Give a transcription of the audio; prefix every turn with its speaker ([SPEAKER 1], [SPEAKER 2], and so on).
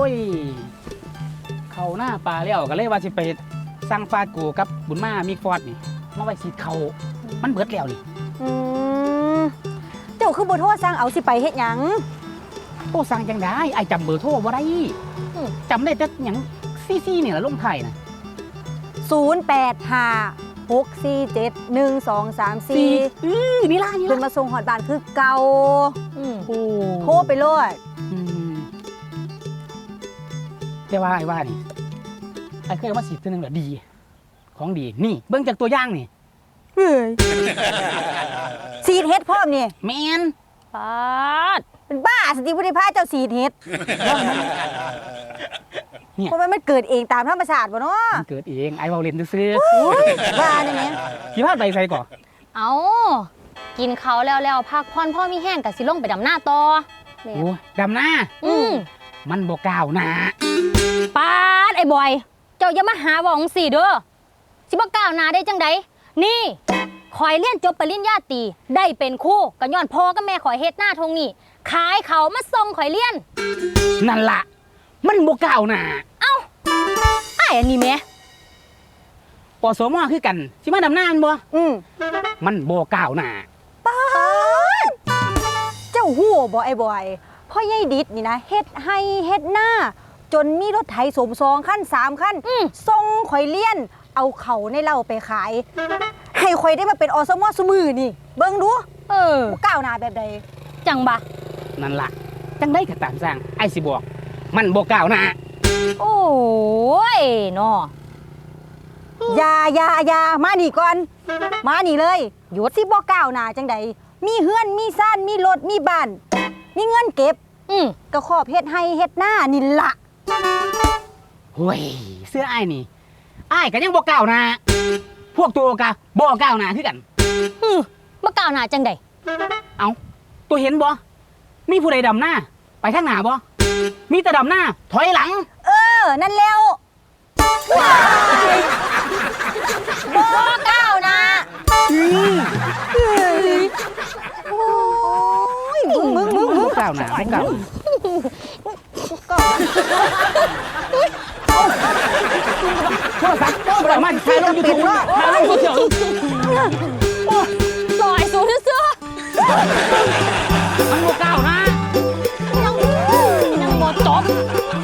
[SPEAKER 1] ยเขาหน้าปลาแล้วก็เลยว่าสิไปสั่งฟาดกูกับบุญมามีฟอดนี่มาไว้สีเขามันเบิดแล้วนี่
[SPEAKER 2] เจ้าคือบ่โทรสั่งเอาสิไปเฮ็ดหยัง
[SPEAKER 1] โอ้สั่งจังได้ไอ้จำเบอร์โทรบ่ได้จำได้แต่หยังซี่นี่แหละลงไทยนะ
[SPEAKER 2] 0856471234
[SPEAKER 1] นี่ล่ะ
[SPEAKER 2] เพิ่นมาส่งฮอดบ้านคือเก่า
[SPEAKER 1] โอ้
[SPEAKER 2] โทรไปโลด
[SPEAKER 1] แต่ว่าไอ้ว่านี่ไอ้เคยเอามาสีเท่านึงเหรอดีของดีนี่เบิ่งจากตัวอย่างนี่
[SPEAKER 2] เฮ้ยสีดเฮ็ดพร้อมนี่
[SPEAKER 1] แมน
[SPEAKER 2] ปาดเป็นบ้าสติบ่ได้พาเจ้าสีดเฮ็ด
[SPEAKER 1] เนี่ย
[SPEAKER 2] เพราะมันเกิดเองตามธรรมชาติบ่เนาะ
[SPEAKER 1] มันเกิดเองไอ้เว้าเล่นซื่อ
[SPEAKER 2] ว่าเนี่ยแหม
[SPEAKER 1] ๆกี่พาไปใส่ก่อน
[SPEAKER 3] เอากินเขาแล้วพักผ่อนพ่อมีแห้งกับสิลงไปดำหน้าต่อ
[SPEAKER 1] โอ้ดำหน้ามันบ่ก้าวหน้า
[SPEAKER 3] ปาดไอ้บอย เจ้าอย่ามาหาว่าของสี่เด้อสิบ่ก้าวหน้าได้จังใดนี่คอยเรียนจบปริญญาตรีได้เป็นครูก็ย้อนพ่อกับแม่ขอยเฮ็ดหน้าทงนี่ขายเขามาส่งข่อยเรียน
[SPEAKER 1] นั่นล่ะมันบ่ก้าวหน้า
[SPEAKER 3] ไอ้อันนี้แม่
[SPEAKER 1] ปสมคือกันสิมาดำหน้ามันบ่ มันบ่ก้าวหน้า
[SPEAKER 2] เจ้าฮู้บ่ไอ้บอยพ่อใหญ่ดิดนี่นะเฮ็ดให้เฮ็ดหน้า จนมีรถไถสม2คัน3คันส่งข่อยเลี้ยนเอาเขาในเหล้าไปขาย ให้ข่อยได้มาเป็นอสมซุมื้อนี่เบิ่งดูบ่ก้าวหน้าแบบใด
[SPEAKER 3] จังบะ
[SPEAKER 1] นั่นล่ะจังได้ก็ตามสร้างไอ้สิบอกมันบ่ก้าวหน้า
[SPEAKER 3] โอ้ยเนาะ
[SPEAKER 2] อย่ามานี่ก่อนมานี่เลยหยุดสิบ่ก้าวหน้าจังใดมีเฮือนมีซ่านมีรถมีบ้านมีเงินเก็บก็ขอบเฮ็ดให้เฮ็ดหน้านี่ล่ะ
[SPEAKER 1] เฮ้ยเสื้ออ้ายนี่อ้ายก็ยังบ่ก้าวหน้าพวกตัวก็บ่ก้าวหน้าคือกัน
[SPEAKER 3] บ่ก้าวหน้าจังใด
[SPEAKER 1] เอาตัวเห็นบ่มีผู้ใดดำหน้าไปทางหน้าบ่มีแต่ดำหน้าถอยหลัง
[SPEAKER 2] นั่นแล้ว
[SPEAKER 3] บ่ก้าวหน้า
[SPEAKER 2] มึง
[SPEAKER 1] บ่ก้าวหน้าบ่ก้าวโทรศัพท์บ่ได้มาถ่ายลง YouTube ถ่ายลงโซเชียล
[SPEAKER 3] ลอยสูงซื่อ
[SPEAKER 1] มันบ่ก้าวหน้า
[SPEAKER 3] ยังบ่จบ